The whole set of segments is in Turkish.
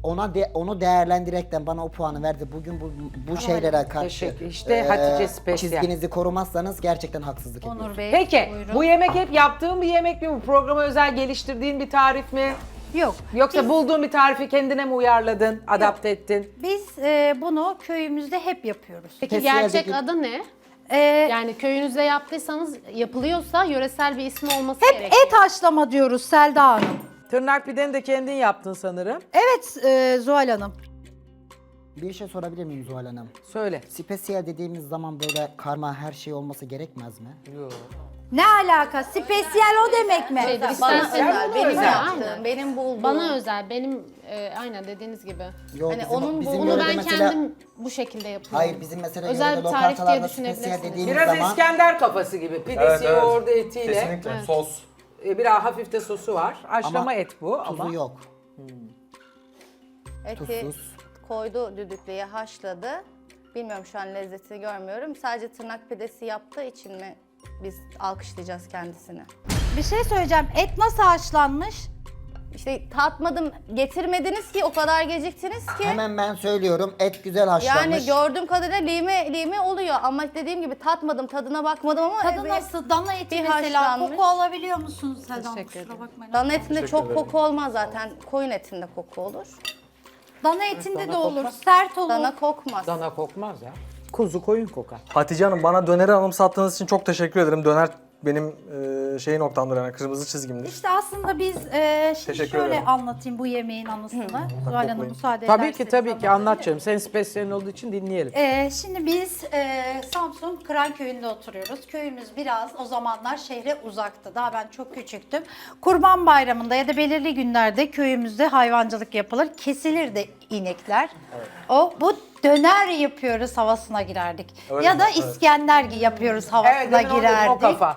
onu değerlendirerekten bana o puanı verdi. Bugün bu şeylere karşı Teşekkür. İşte Hatice Spesyal. çizginizi korumazsanız gerçekten haksızlık Onur ediyorsunuz. Bey, Peki buyurun. bu yemek hep yaptığın bir yemek mi? Bu programa özel geliştirdiğin bir tarif mi? Yok. Yoksa bulduğun bir tarifi kendine mi uyarladın, adapte ettin? Biz bunu köyümüzde hep yapıyoruz. Peki Festivaldeki- gerçek adı ne? Ee, Yani köyünüzde yaptıysanız, yapılıyorsa yöresel bir ismi olması hep gerekiyor. et haşlama diyoruz Selda Hanım. Tırnak pideni de kendin yaptın sanırım. Evet Zuhal Hanım. Bir şey sorabilir miyim Zuhal Hanım? Söyle. Spesiyel dediğimiz zaman böyle karma her şey olması gerekmez mi? Yok. Ne alaka? Spesiyel o demek mi? Şeydir, Bana istersen özel, benim özel. yaptığım, Aynen. benim bulduğum. Bana özel, benim aynen dediğiniz gibi. Yok, Hani onun bizim Bunu yörede ben mesela- kendim bu şekilde yapıyorum. Hayır bizim mesela özel yörede bir tarif diye lokantalarda spesiyel düşünebilirsiniz. dediğimiz Biraz zaman İskender kafası gibi. Pidesi, Evet, evet. yoğurdu, etiyle. Kesinlikle. Sos. Biraz hafif de sosu var. Haşlama Ama et bu tuzu ama. yok. eti Tuzsuz. koydu düdüklüye haşladı. Bilmiyorum şu an lezzetini görmüyorum. Sadece tırnak pidesi yaptığı için mi biz alkışlayacağız kendisini? Bir şey söyleyeceğim. Et nasıl haşlanmış? İşte tatmadım, getirmediniz ki o kadar geciktiniz ki. Hemen ben söylüyorum et güzel haşlanmış. Yani gördüğüm kadarıyla lime oluyor ama dediğim gibi tatmadım, tadına bakmadım ama Tadı evet, nasıl? Dana eti bir mesela haşlanmış. koku alabiliyor musunuz Selda Hanım? Teşekkür Kusura ederim. bakmayın. Dana etinde çok koku olmaz zaten. Koyun etinde koku olur. Dana etinde dana de olur. kokmaz. Sert olur. Dana kokmaz. Dana kokmaz ya. Kuzu koyun kokar. Hatice Hanım bana döneri anımsattığınız için çok teşekkür ederim. Döner benim şey noktamdır yani kırmızı çizgimdir. İşte aslında biz şimdi Teşekkür şöyle ederim. anlatayım bu yemeğin anısını. Zuhal Hanım Toplayın. müsaade Tabii ederseniz ki tabii ki anlatayım. anlat canım. Senin spesiyelin olduğu için dinleyelim. Şimdi biz Samsun Kıranköy'ünde oturuyoruz. Köyümüz biraz o zamanlar şehre uzaktı. Daha ben çok küçüktüm. Kurban Bayramı'nda ya da belirli günlerde köyümüzde hayvancılık yapılır. Kesilir de inekler. Bu döner yapıyoruz havasına girerdik. Öyle ya mi? da Evet. İskender yapıyoruz havasına Evet, demin onu dedim, girerdik. o kafa.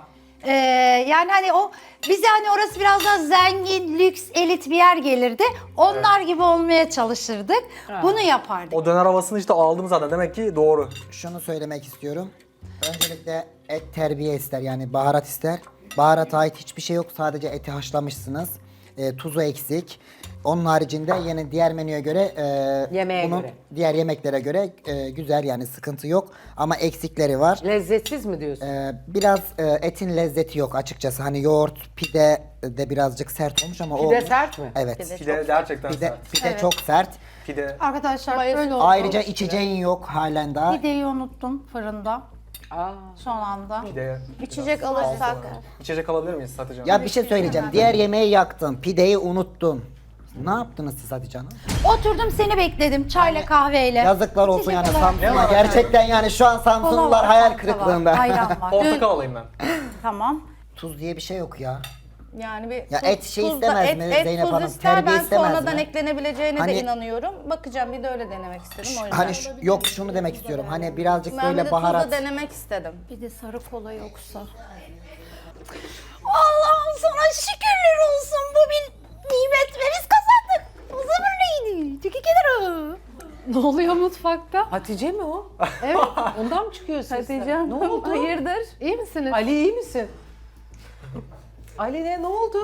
Yani hani o bize hani orası biraz daha zengin, lüks, elit bir yer gelirdi. Onlar gibi olmaya çalışırdık. Bunu yapardık. O döner havasını işte aldım zaten. Demek ki doğru. Şunu söylemek istiyorum. Öncelikle et terbiye ister yani baharat ister. Baharata ait hiçbir şey yok. Sadece eti haşlamışsınız. Tuzu eksik. Onun haricinde yine diğer menüye göre Yemeğe bunun göre. diğer yemeklere göre güzel yani sıkıntı yok. Ama eksikleri var. Lezzetsiz mi diyorsun? Biraz etin lezzeti yok açıkçası. Hani yoğurt, pide de birazcık sert olmuş ama Pide olmuş. sert mi? Evet. Pide gerçekten Pide, sert. pide çok sert. Pide. Arkadaşlar Bayılır. böyle oldu. Ayrıca içeceğin yok halen daha. Pideyi unuttum fırında Aa. son anda. Pide. İçecek alırsak. İçecek alabilir miyiz Hatice Hanım? Ya bir şey söyleyeceğim. Diğer yemeği yaktın, pideyi unuttun. Ne yaptınız siz Hatice Hanım? Oturdum seni bekledim çayla kahveyle. Yazıklar olsun İçecek yani olarak Samsun'a. Gerçekten yani şu an kola Samsunlular var, hayal fanta var, kırıklığında. Ayran var. Portakal alayım ben. Tamam. Tuz diye bir şey yok ya. Yani bir Ya et şey istemez mi Zeynep tuz Hanım? ister, Terbiye ben istemez sonradan mi? eklenebileceğine Hani- de inanıyorum. Bakacağım bir de öyle denemek istedim o yüzden. Hani yok şunu demek istiyorum. Hani birazcık ben bir de böyle baharat. tuzla denemek istedim. Bir de sarı kola yoksa. Allah'ım sana şükürler olsun bu bir nimet ve biz kazandık. O zaman neydi? Tükü kenarı. Ne oluyor mutfakta? Hatice mi o? Evet. Ondan mı çıkıyor ses? Hatice Ne oldu? Hayırdır? İyi misiniz? Ali iyi misin? Ali ne oldu?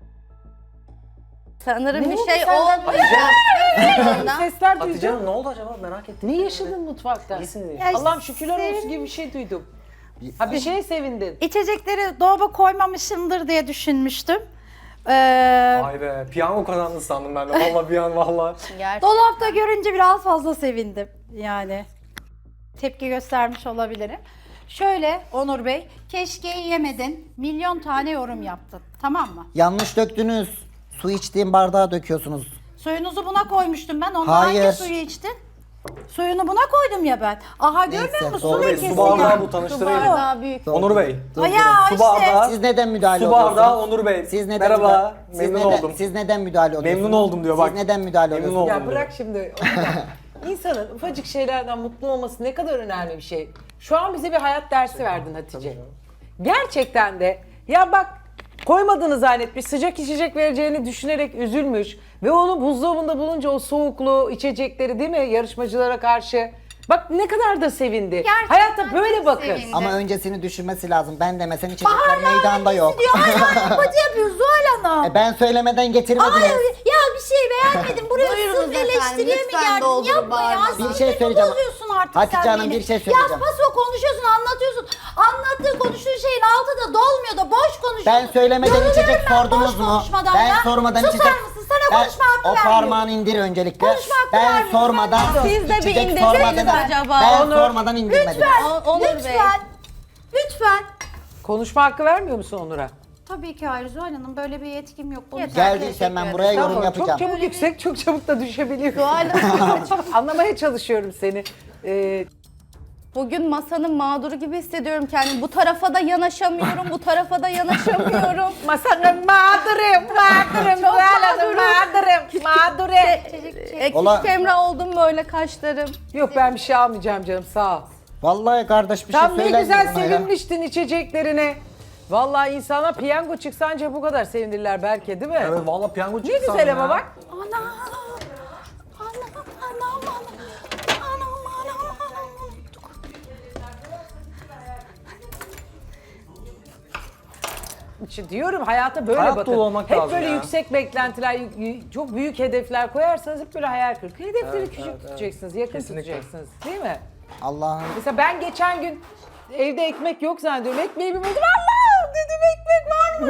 Sanırım Ne bir oldu şey senden? olmayacak. Sesler Hatice duydum. Hanım ne oldu acaba merak ettim. Ne yaşadın mutfakta? İyisin diye. Ya Allah'ım şükürler olsun sevin- gibi bir şey duydum. Ha bir şeye sevindin. İçecekleri dolaba koymamışımdır diye düşünmüştüm. Vay be piyango kazandın sandım ben de. Valla bir an valla. Gerçekten. Dolapta görünce biraz fazla sevindim yani. Tepki göstermiş olabilirim. Şöyle Onur Bey, keşke yemedin. Milyon tane yorum yaptın. Tamam mı? Yanlış döktünüz. Su içtiğim bardağa döküyorsunuz. Suyunuzu buna koymuştum ben. Ondan Hayır. hangi suyu içtin? Suyunu buna koydum ya ben. Aha görmüyor Neyse, musun? doğru. Su Onur Bey lekesi su bardağı ya. bu Su tanıştırayım. bardağı büyük. Onur Bey. Ay ya Su işte. bardağı. Siz neden müdahale Su oluyorsunuz? bardağı Onur Bey. Siz neden Merhaba. siz Memnun neden- oldum. Siz neden müdahale oluyorsunuz? Memnun oldum diyor bak. Siz neden müdahale Memnun oluyorsunuz? oldum. Ya bırak şimdi. İnsanın ufacık şeylerden mutlu olması ne kadar önemli bir şey. Şu an bize bir hayat dersi verdin Hatice. Gerçekten de ya bak koymadığını zannetmiş, sıcak içecek vereceğini düşünerek üzülmüş ve onu buzdolabında bulunca o soğuklu içecekleri değil mi yarışmacılara karşı bak ne kadar da sevindi. Gerçekten Hayatta böyle çok bakın. sevindi. Ama öncesini düşünmesi lazım. Ben demesen içecekler meydanda yok. Diyor hala yapıcı yapıyor Zuhal Hanım. Ben söylemeden getirmediniz. Ay, ya bir şey beğenmedim. Buraya Buyurunuz sırf efendim, eleştiriye mi lütfen geldin? doldurun Yapma ya. bardağını. Bir şey Sinirimi söyleyeceğim. bozuyorsun artık Hatice sen Hanım, beni. bir şey Ya söyleyeceğim. paso konuşuyorsun, anlatıyorsun. Anlattığı konuştuğun şeyin altı da dolmuyor da boş konuşuyorsun. Ben söylemeden Yoruluyorum içecek ben sordunuz boş mu? konuşmadan Ben ya. sormadan Susar içecek... mısın? Sana Ben- konuşma hakkı O vermiyorum. parmağını indir öncelikle. Konuşma hakkı Ben vermiyorum. sormadan... Siz de bir içecek indirseniz sormadan- acaba? Ben Onur. sormadan indirmedim. Lütfen, Onur Bey. lütfen, lütfen. Konuşma hakkı vermiyor musun Onur'a? Tabii ki hayır Zuhal Hanım, böyle bir yetkim yok. Bunu Geldiysen ben buraya yorum Tamam, yapacağım. çok çabuk yüksek, çok çabuk da düşebiliyor. Zuhal Anlamaya çalışıyorum seni. Bugün masanın mağduru gibi hissediyorum kendimi. Bu tarafa da yanaşamıyorum, bu tarafa da yanaşamıyorum. Masanın mağdurum, mağdurum. Eksik Emrah oldum böyle kaşlarım. Yok ben bir şey almayacağım canım, sağ ol. Vallahi kardeş bir Tam şey ne söyler güzel misin buna ya? sevinmiştin içeceklerine. Vallahi insana piyango çıksa anca bu kadar sevinirler belki, değil mi? Evet valla piyango Ne çıktı güzel ama bak. İşte diyorum hayata böyle Hayat bakın. dolu olmak hep lazım böyle ya. yüksek beklentiler, çok büyük hedefler koyarsanız hep böyle hayal kırıklığı. Hedefleri küçük tutacaksınız, yakın Kesinlikle. tutacaksınız. Değil mi? Allah'ım. Mesela ben geçen gün evde ekmek yok zannediyorum. Ekmeği bir buldum. Allah dedim, ekmek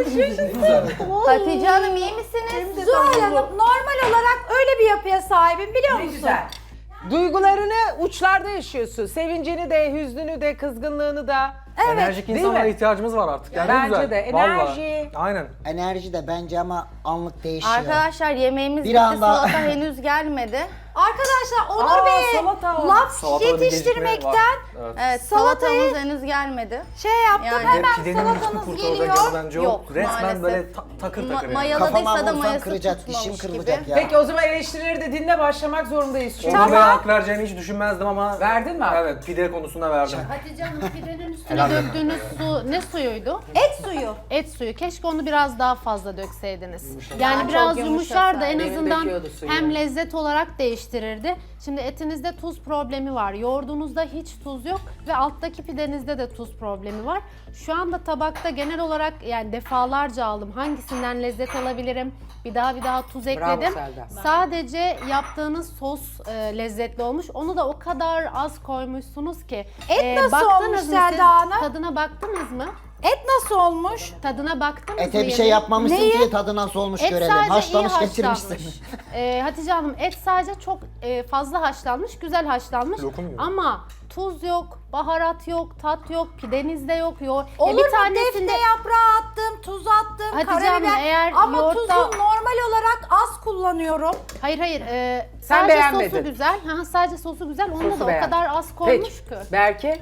varmış. Hatice Hanım iyi misiniz? Zuhal Hanım, normal olarak öyle bir yapıya sahibim, biliyor Ne musun? güzel. Duygularını uçlarda yaşıyorsun. Sevincini de, hüznünü de, kızgınlığını da. Enerjik Değil insanlara mi? ihtiyacımız var artık. Yani Bence ne güzel. de. Vallahi. Enerji. Aynen. Enerji de bence ama anlık değişiyor. Arkadaşlar yemeğimiz Bir bitti, anda- salata henüz gelmedi. Arkadaşlar Onur Aa, Bey'e salata. laf Salatada bir yetiştirmekten gecikme var. Evet. Evet, Salatayı- salatamız henüz gelmedi. şey yaptım, Yani- hemen Pidenin üstü salatanız kurtaracak geliyor. yanı bence yok. Yok, Resmen maalesef. böyle takır takır yani. Mayaladıysa Kafama da vursam mayası kıracak, dişim tutmamış kırılacak gibi. ya. Peki o zaman eleştirileri de dinle, başlamak zorundayız. Çünkü. Onur Bey'e hak vereceğini hiç düşünmezdim ama... Verdin mi hak? Evet, pide konusunda verdim. Hatice Hanım pidenin üstüne döktüğünüz su ne suyuydu? Et suyu. Et suyu. Keşke onu biraz daha fazla dökseydiniz. Yani biraz çok yumuşar da en Demin azından döküyordu suyu. hem lezzet olarak değiştirirdi. Şimdi etinizde tuz problemi var. Yoğurdunuzda hiç tuz yok ve alttaki pidenizde de tuz problemi var. Şu anda tabakta genel olarak yani defalarca aldım. Hangisinden lezzet alabilirim? Bir daha tuz ekledim. Selda. Sadece yaptığınız sos lezzetli olmuş. Onu da o kadar az koymuşsunuz ki. Et nasıl baktınız olmuş mı siz? Selda Hanım? Tadına baktınız mı? Et nasıl olmuş? Tadına baktınız mı? Ete bir şey yemeğin? yapmamışsın Neyi? ki tadı nasıl olmuş Et görelim. sadece Haşlamış iyi getirmişsin. haşlanmış. Hatice Hanım et sadece çok fazla haşlanmış, güzel haşlanmış. Lokum gibi. Ama tuz yok, baharat yok, tat yok, pidenizde yok. Olur bir mu? tanesinde Defne yaprağı attım, tuz attım, Hatice Hanım, karabiber. eğer Ama yoğurtta- tuzu normal olarak az kullanıyorum. hayır Sen sadece beğenmedin. sosu güzel. Ha, sadece sosu güzel. Onu Sosu da o beğendin. kadar az koymuş Peki. ki. Berke?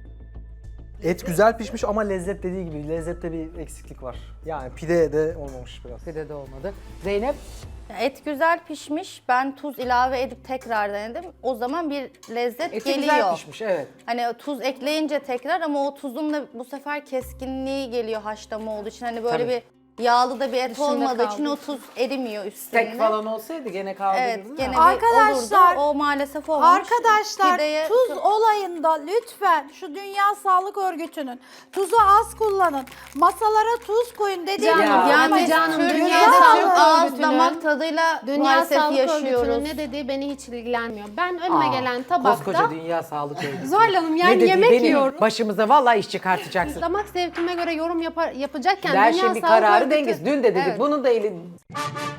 Et güzel pişmiş ama lezzet dediği gibi lezzette bir eksiklik var. Yani pide de olmamış biraz. Pide de olmadı. Zeynep? Et güzel pişmiş. Ben tuz ilave edip tekrar denedim. O zaman bir lezzet Eti geliyor. güzel pişmiş, evet. Hani tuz ekleyince tekrar ama o tuzun da bu sefer keskinliği geliyor haşlama olduğu için. Hani böyle Tabii. bir yağlı da bir et Dışında olmadığı için kaldığı o tuz erimiyor üstüne. Tek falan olsaydı gene kaldırırdın. Evet, gene ama. Arkadaşlar- bir olurdu. O maalesef olmamış. Arkadaşlar Pideye tuz olayında lütfen şu Dünya Sağlık Örgütü'nün tuzu az kullanın, masalara tuz koyun dediği Canım, gibi. Yani Canım, biz Dünya Türkiye'de Sağlık çok ağız Örgütü'nün- damak tadıyla Dünya maalesef Sağlık yaşıyoruz. Örgütü'nün ne dediği beni hiç ilgilenmiyor. Ben önüme gelen tabakta Koskoca Dünya Sağlık Örgütü. Zuhal Hanım, Ne yani dedi? yemek Benim yiyorum. Başımıza vallahi iş çıkartacaksın. damak zevkime göre yorum yapacakken Her Dünya şeyin bir Sağlık kararı Örgütü- dengesi. Dün de dedik Evet. bunun da eli...